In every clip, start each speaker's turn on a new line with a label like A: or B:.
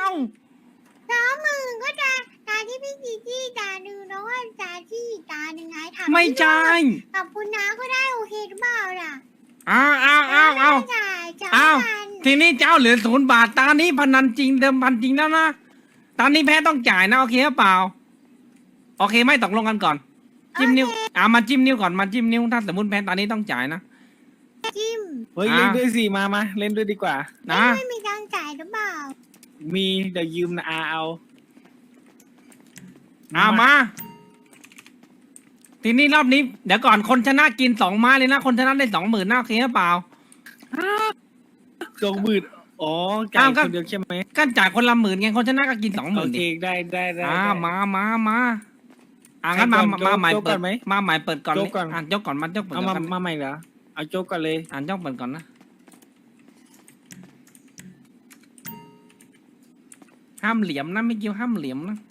A: 20,000ก็ตาที่พี่จีจี้ตาหนึ่งแล้วก็ตาที่ตาหนึ่งไงถาม
B: ไม่ใช่
A: กับคุณน้าก็ได้โอเคหรือเปล่าล่ะ
B: อ้าว
A: จ่ายจ่าย
B: อ้าว
A: กัน
B: ทีนี้เจ้าเหลือ0 บาทตานี้พนันจริงเดิมพันจริงแล้วนะตานี้แพ้ต้องจ่ายนะโอเคหรือเปล่าโอเคไม่ตกลงกันก่อนจิ้มนิ้วมาจิ้มนิ้วก่อนมาจิ้มนิ้วถ้าสมมติแพ้ตานี้ต้องจ่ายนะ
A: จิ้ม
C: เฮ้ยเล่นด้วยสิมาเล่นด้วยดีกว่า
B: นะ
A: ไม่มีตังค์จ่ายหรือเปล่า
C: มีเดี๋ยวยืมนะเอา
B: มา ทีนี้รอบนี้เดี๋ยวก่อนคนชนะกิน2 ไม้เลยนะคนชนะได้20,000นะโอเคหรือเปล่า
C: 20,000อ๋อจ่ายคนเดียวใช่ไหม
B: ก็จ่ายคนละ10,000ไงคนชนะก็กิน20,000
C: โอเค
B: ดิ
C: ได้
B: มางั้นมาใหม่
C: โจ๊ก
B: เปิ
C: ก่
B: ด
C: อนไหม
B: มาใหม่เปิดก่อนเลย
C: โจ๊กก่อน
B: ยกก่อนมันยกเปิด
C: เอา
B: ก่อน
C: มาใหม่เหรอเอาโจ๊กก่อนเลย
B: ยกเปิดก่อนนะห้ามเหลี่ยมนะไม่เกี่ยวห้ามเหลี่ยมนะ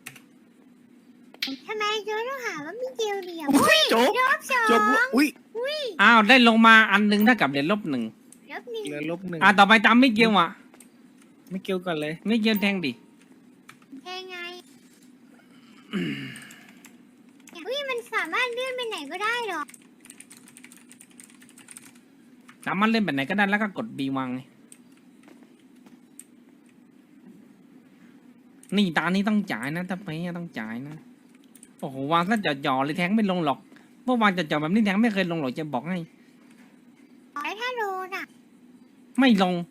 A: ทำไมโจ๊กต้องหาว่ามีเดียวเดียว
C: โจ๊ก
A: รอบสอง
C: โจ๊กอุ้ย
B: อ้าวได้ลงมาอันหนึงเท่ากับเหรียญลบ1
A: รอบหนึ่ง
C: เหลือ-1
B: ต่อไปตามไม่เกี่ยวอ่ะ
C: ไม่เกี่ยวก่อนเลย
B: ไม่เกี่ยวแทงดิ
A: แค่ไงมันสามารถเลื่อนไปไหนก็ได้หรอ
B: สามารถเล่นแบบไหนก็ได้แล้วก็กด B วางไงนี่ตานี้ต้องจ่ายนะถ้าไปต้องจ่ายนะโอ้โหวางซะจ่อๆเลยแทงไม่ลงหรอกเพราะวางจ่อๆแบบนี้แทงไม่เคยลงหรอกจะบอกให้
A: แล้วถ้าโดนอ่ะ
B: ไม่ลง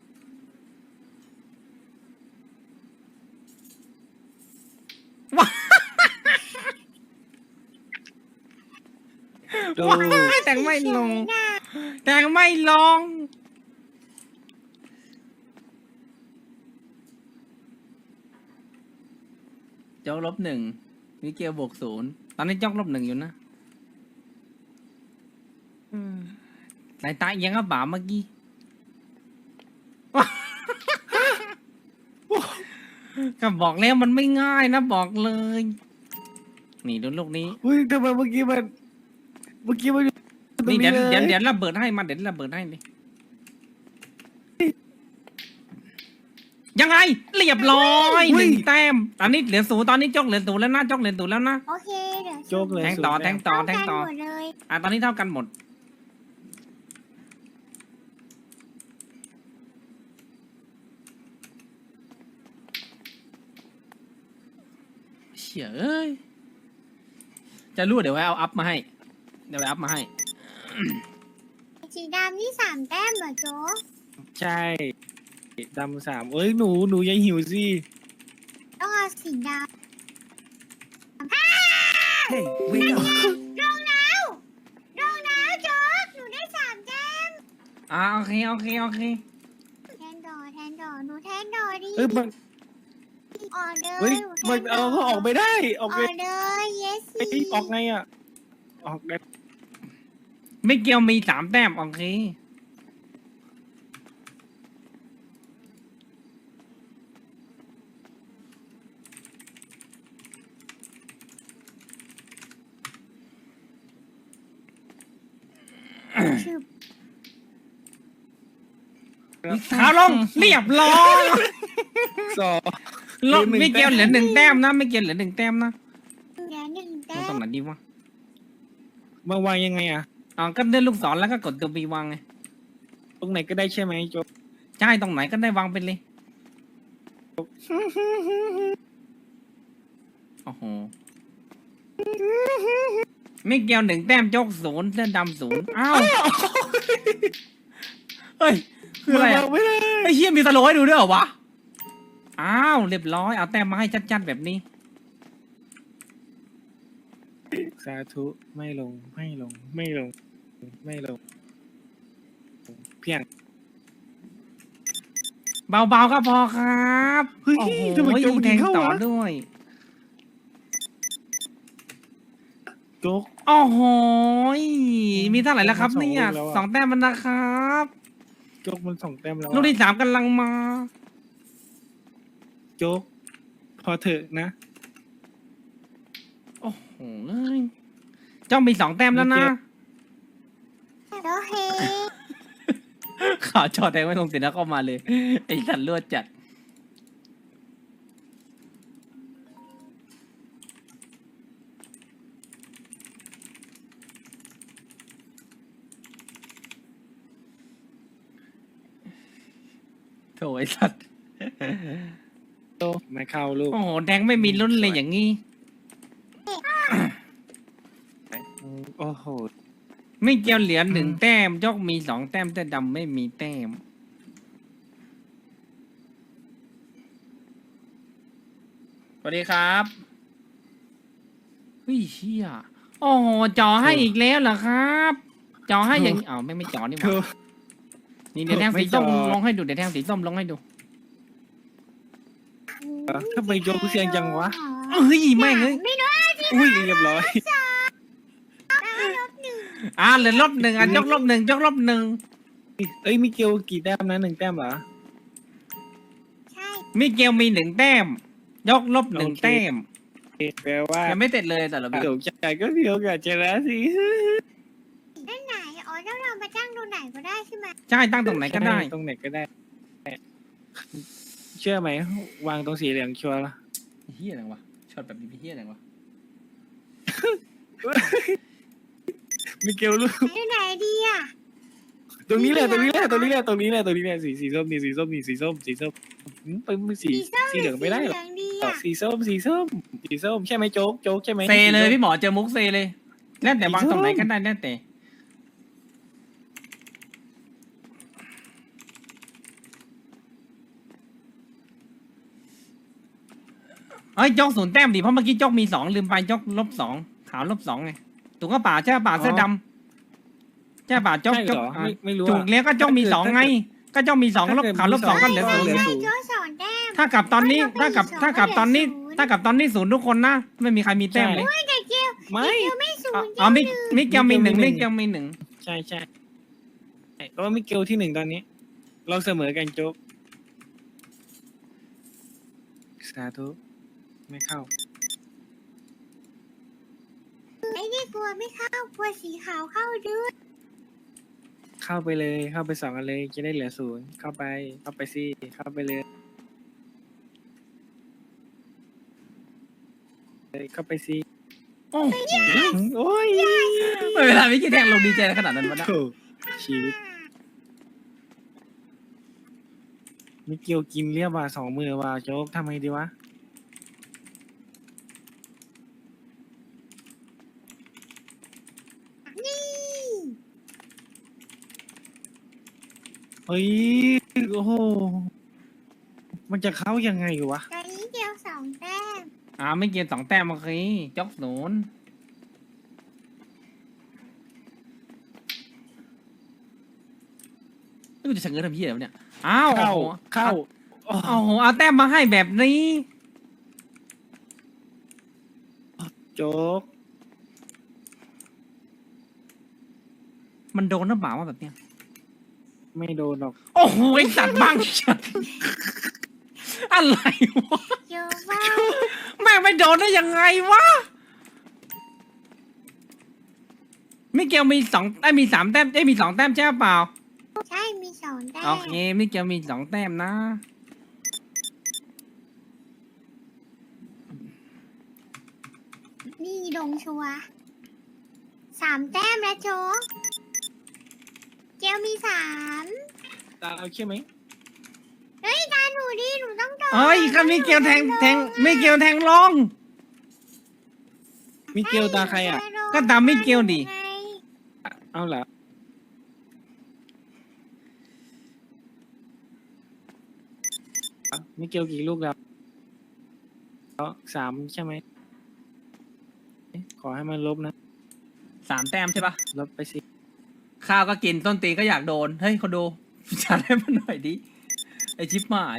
C: ดู
B: แทงไม่ลง
A: เฉยๆนะ
B: แทงไม่ลงโจ๊ก-1มิเกล+0ตอนนี้โจ๊ก-1อยู่นะสายตาเอียงก็บ่าเมื่อกี้ ก็บอกแล้วมันไม่ง่ายนะบอกเลย นี่ดูลูกนี้
C: อุ้ยทำไมเมื่อกี้มันตรง
B: นี่
C: นี้เลย
B: เดี๋ยวระเบิดให้มาเดี๋ยวระเบิดให้เลยยังไงเรียบร้อย1 แต้มตอนนี้เหลือ0ตอนนี้โจ๊กเหลือ0แล้วนะโจ๊กเหลือ0แล้วนะ
A: โอเคเดี๋ยว
C: โจ๊กเลย
B: แทงต่อ
C: 0
B: แทงต่อ
A: เท่ากันหมดเลย
B: ตอนนี้เท่ากันหมดเฉยเอ้ยจะรู้เดี๋ยวไว้เอาอัพมาให้เดี๋ยวไว้อัพมาให้
A: สีดำนี่3 แต้มเหรอโจ๊ก
C: ใช่ดำ3เอ้ยหนูอย่าหิวสิ
A: ต้องเอาสีดำ
D: Hey, wake up.
A: รองน้ำโจ๊กหนูได้3 แต้ม
B: โอเค
A: แทนดอหนูแทนดอดิ
C: เอ้ยมัน
A: ออกเลย
C: เฮ้ย
A: หนูแท
C: มัน
A: นด
C: เอาเขาออกไม่ได้อ
A: อ
C: อ
A: อก ก
C: เลย
A: เลย yes
C: เอ้ยออกไงอ่ะออกได้
B: ไม่เกี่ยวมี3 แต้มโอเคขาลงเรียบร้อย
C: สอง
B: ลบไม่เกี่ยวเหลือ1 แต้มนะไม่เกี่ยวเหลือ1 แต้มนะ
A: เหลือ1 แต้
B: มันตรง
A: ม
B: ไหนดีวะ
C: มาวางยังไงอ่ะ
B: ก็เลื่อนลูกศรแล้วก็กดตัว B วางไง
C: ตรงไหนก็ได้ใช่ไหมโจ๊ก
B: ใช่ตรงไหนก็ได้วางไปเลยโอ้โหไม่เกี่ยว1 แต้มโจก0เสื้อดำ0อ้าวเฮ้ยคืออะไร
C: วา
B: อะ
C: งไม่ได้
B: ไอ้เหี้ยมีสโลว์ให้ดูด้วยเหรอวะอ้าวเรียบร้อยเอาแต้มมาให้ชัดๆแบบนี้
C: สาธุไม่ลงเพียง
B: เบาๆก็พอครับ
C: เฮ้ย
B: โอ้โห
C: ทำไมโจ๊ก
B: แทง
C: เข้า
B: ต่อ
C: วะ
B: ด้วย
C: โจ๊ก
B: โอ้โหมีเท่าไหร่แล้วครับ
C: สอง
B: เนี่ย
C: ลูกแล้วอะ
B: 2 แต้มมันนะครับ
C: โจ๊กมัน2 แต้มแล้วอะ
B: ลูกที่3กำลังมา
C: โจ๊กพอเถอะนะ
B: โอ้โหเจ้ามี2 แต้มแล้วนะ
A: โอเค
B: ข่าวจอแดงไม่ลงเสร็จแล้วเข้ามาเลย ไอ้สัตว์ลวดจัดโถไอ้สัตว์
C: โตไม่เข้าลูก
B: โอ้โหแทงไม่มีลุ้นเลยอย่างงี้
C: โอ้โห
B: ไม่เกี่ยวเหรียญ1 แต้มยกมี2 แต้มแต่ดำไม่มีแต้มสวัสดีครับเฮ้ยเชี่ยโอ้โหจอให้อีกแล้วเหรอครับ จอให้อย่างอ้าวไม่จอนี่หว่านี่เดี๋ยวแทงสีส้มลงให้ดูเดี๋ยวแทงสีส้มลงให้ดู
C: ทำไมโยกเสียงจังวะ
B: เฮ้ยแม่งเอ้ย
A: ไม่รู้
C: อุ้ยเรียบร้อย
B: เหลือ-1ยก-1ยก-1
C: เอ้ยมิเกลกี่แต้มนะ1 แต้มเหรอ
A: ใช่
B: มิเกลมี1 แต้มยก-1 แต้ม
C: แปลว่า
B: ยังไม่เสร็จเลยแต่ละแบบ
C: เดี๋ยวใจก็เดียวกับชนะสิ
A: ด้านไหนอ๋อแล้วเรามาจ้างตรงไหนก็ได้ใช่ไหม
B: ใช่ตั้งตรงไหนก็ได้
C: ตรงไหนก็ได้ เชื่อไหมวางตรงสีเหลืองชัวร์ละ
B: เฮียอะไรวะช็อตแบบนี้เฮียอะไรวะ
C: มิเกลลูก
A: ตรงไหนดีอ่ะ
C: ตรงนี้แหละสีส้มนี่สีส้มไปมือสีเหลืองไม่ได้หรอ
A: เหลืองดีอ่ะ
C: สีส้มใช่ไหมโจ๊กใช่ไหม
B: เซเลยพี่หมอเจอมุกเซเลยแล้วแต่วางตรงไหนก็ได้แล้วแต่เอ้ยจก0 แต้มดิเพราะเมื่อกี้จกมี2ลืมไปจก-2ขาว-2ไงถูกก็ป่าใช่ป่าเสื้อดำใช่ป่าจก
C: ใช่
B: จ
C: เห
B: ก
C: รอไม่รู้
B: ถูกแล้วก็จกมี2ไงก็จกมี2ลบขาว-2ก็เหลือ
C: เหลือ
B: 0
C: ศูนย์
A: โจ้สอนแต้ม
B: ถ้ากับตอนนี้ถ้ากับตอนนี้0ทุกคนนะไม่มีใครมีแต้มเลย
A: แต่เกล
C: ไม่
A: เกลไม่ศูนย์
B: อ๋อมิเกลมี1มิเกลมี1
C: ใช่เพราะว่ามิเกลที่1ตอนนี้ เราเสมอกันโจ๊กสาธุไม่เข้า
A: ไม่ได้กลัวไม่เข้ากลัวสีขาวเข้าด้วย
C: เข้าไปเลยเข้าไป2กันเลยจะได้เหลือ0เข้าไปสิเข้าไปเลยเข้าไปสิ
B: โอ้โห
C: โอ้ย
B: ไม่เวลามิเกลแทงลงดีใจขนาดนั้นวะนะ
C: โถ่ชีวิตมิเกลกินเรียบว่า2 มือว่าโจ๊กทำไงดีวะ
A: นี่
C: เฮ้ยโอ้โหมันจะเข้ายังไงวะ
A: ตอนนี้เกล2 แต้ม
B: มิเกล2 แต้มโอเคจก0นี่กูจะเฉงเงินทำเหี้ยอะไรวะเนี่ยอ้าว
C: เข้า
B: โอ้โหเอาแต้มมาให้แบบนี้
C: โจ๊ก
B: มันโดนหรือเปล่าวะแบบเนี้ย
C: ไม่โดนหรอก
B: โอ้โหไอสัตว์บ้างชัดอะไรวะ
A: เยอะมาก
B: แม่งไม่โดนได้ยังไงวะมิเกลมีมี3 แต้มมี2 แต้มใช่เปล่า
A: ใช่มี2 แต้ม
B: โอเคมิเกลมี2 แต้มนะ
A: นี่ลงชัวร์3 แต้มแล้วโจ๊กเกลมี3
C: ตาเอาใช่ไหม
A: เฮ้ยตาหนูดิหนูต้องโดน
B: เอ้ยก็มิเกลแทงมิเกลแทงลง
C: มิเกลตาใครอ่ะ
B: ก็ตามมิเกลดิ
A: ไง
C: เอาเหรอมิเกลกี่ลูกแล้ว3ใช่ไหมขอให้มันลบนะ
B: 3 แต้มใช่ปะ
C: ลบไปสิ
B: ข้าวก็กินต้นตีนก็อยากโดนเฮ้ยคนดูจัดให้มันหน่อยดิไอชิปหมาย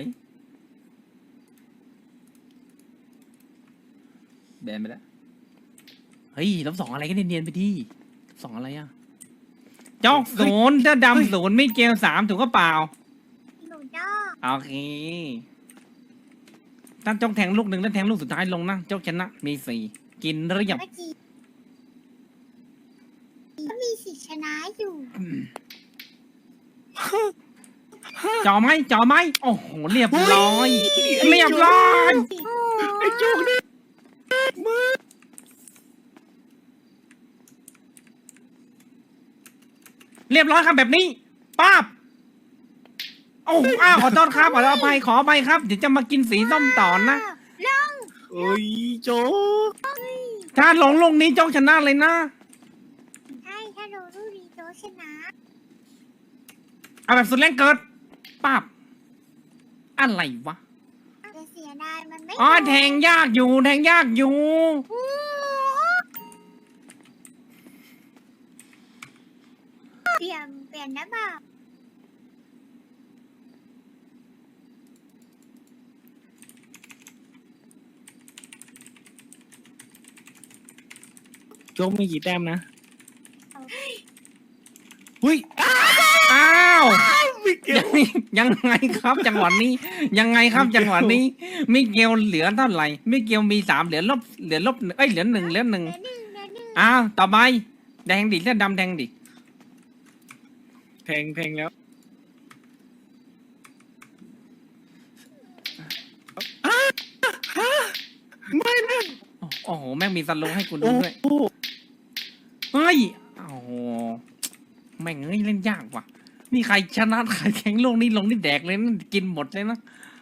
B: แบนไปแล้วเฮ้ย-2อะไรก็เนียนๆไปดิ2อะไรอ่ะจอก0ถ้าดำ0มิเกล3ถูกก็เปล่า
A: หนูจ้อง
B: โอเคถ้าจกแทงลูก1แล้วแทงลูกสุดท้ายลงนะจกชนะมี4กินเรียบ
A: เมื่อกี้ก็มีสิทธิ์ชนะอยู่
B: จอไหมโอ้โหเรียบร้อยเรียบร้อย
C: ไอ้โจ๊กนี่มือ
B: เรียบร้อยครับแบบนี้ป้าบโอ้อ้อ้าวขอโทษครับขออภัยครับเดี๋ยวจะมากินสีส้มต่อนะ
A: ลง
C: โอ้ยโจ๊ก
B: ถ้าหลงลูกนี้โจ๊กชนะเลยนะ
A: ใช่ถ้าโดนลูกดีโจชนะ
B: เอาแบบสุดแรงเกิดปั๊บอะไรวะ
A: จะเสียดายมันไม่
B: อ๋อแทงยากอยู่
A: โอ้เปลี่ยนนะบ่าว
C: โจ๊กมีกี่แต้มนะอุ้ย
B: อ้าว
C: ไม่เกี่ยว
B: ยังไงครับจังหวะนี้ ยังไงครับจังหวะนี้มิเกลเหลือเท่าไหร่มิเกลมี3เหลือลบเอ้ยเหลือ1
A: เหลือหนึ่ง
B: อ้าวต่อไปแดงดิเลือดดำแดงดิ
C: แทงแล้วไม่นะ
B: โอ้โหแม่งมีสโลว์ให้กูดู
C: โอ้
B: ด้วย
C: โห
B: เฮ้ยโอ้โหแม่งเอ้ยเล่นยากว่ะนี่ใครชนะใครแข่งลงนี่แดกเลยนะกินหมดเลยนะ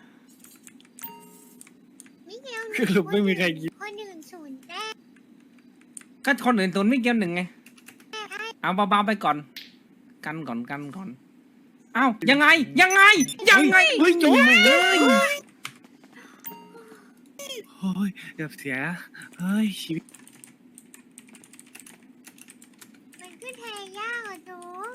A: มิเกล
C: คือลุกไม่มีใครยิง
A: คนอื่นศูนย์แต้ม
B: ก็คนอื่นตุนมิเกล1ไง
A: ให้
B: เอาเบาๆไปก่อน กันก่อนเอ้ายังไง
C: เฮ้ยโจ๊ก
B: เอ้ย
C: โอ้ยเกือบเสียเฮ้ยชีวิต
A: มันขึ้นแทงยากอ่ะโจ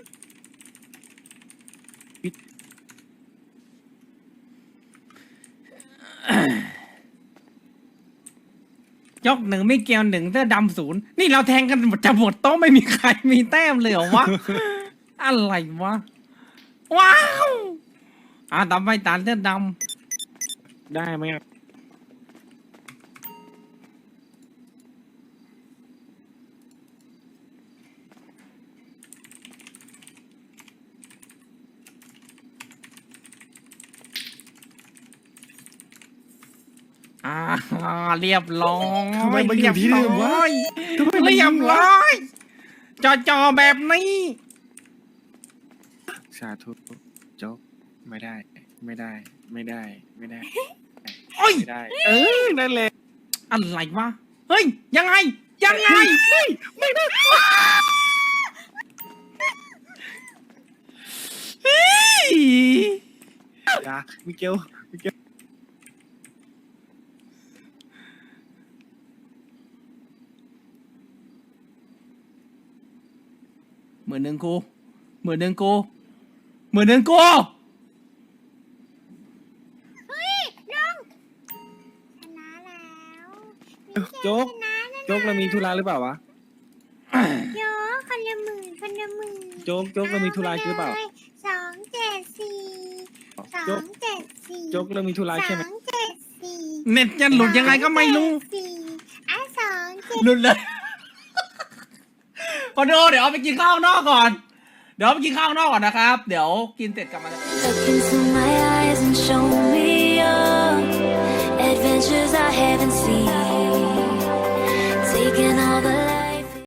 B: ยก1ไม่เกี่ยว1เสื้อดำ0นี่เราแทงกันจะหมดโต๊ะไม่มีใครมีแต้มเลยเหรอวะ อะไรวะ ว้าวต่อไปตาเสื้อด
C: ได้ไหมอ่ะ
B: ำเรียบร้อย
C: ทำไมมันอยู่ที่เดิมวะทำไมมัน
B: เรีย
C: ยิ
B: บ
C: งวะ
B: ร้อยจอแบบนี้
C: สาธุโจ๊กไม่ได้ ไม่ได้
B: โอ้ย
C: ไม่ได้ เออนั่นแหละ
B: อะไรวะ เฮ้ย ยังไง
C: ไม่ได้
B: เฮ้ย
C: อย่ามิเกล
B: 10,000กู10,000กู
A: เฮ้ยลงชนะแล้วมิเกล
C: โจ๊ก
A: ชนะนะ
C: โจ๊กเรามีธุระหรือเปล่าวะ
A: โจ๊กคนละหมื่น
C: โจ๊กเรามีธุระหรือเปล่า
A: 274
C: โจ๊ก
A: 274
C: โจ๊กเรามีธุระใช่ไหม
A: 274
B: เน็ตจะหลุดยังไงก็ไม่รู้
A: 274
B: หลุดเลยพอดูเดี๋ยวเอาไปกินข้าวนอกก่อน นะครับ เดี๋ยวกินเสร็จกลับมา
D: Look into my eyes and show me your adventures I haven't seen.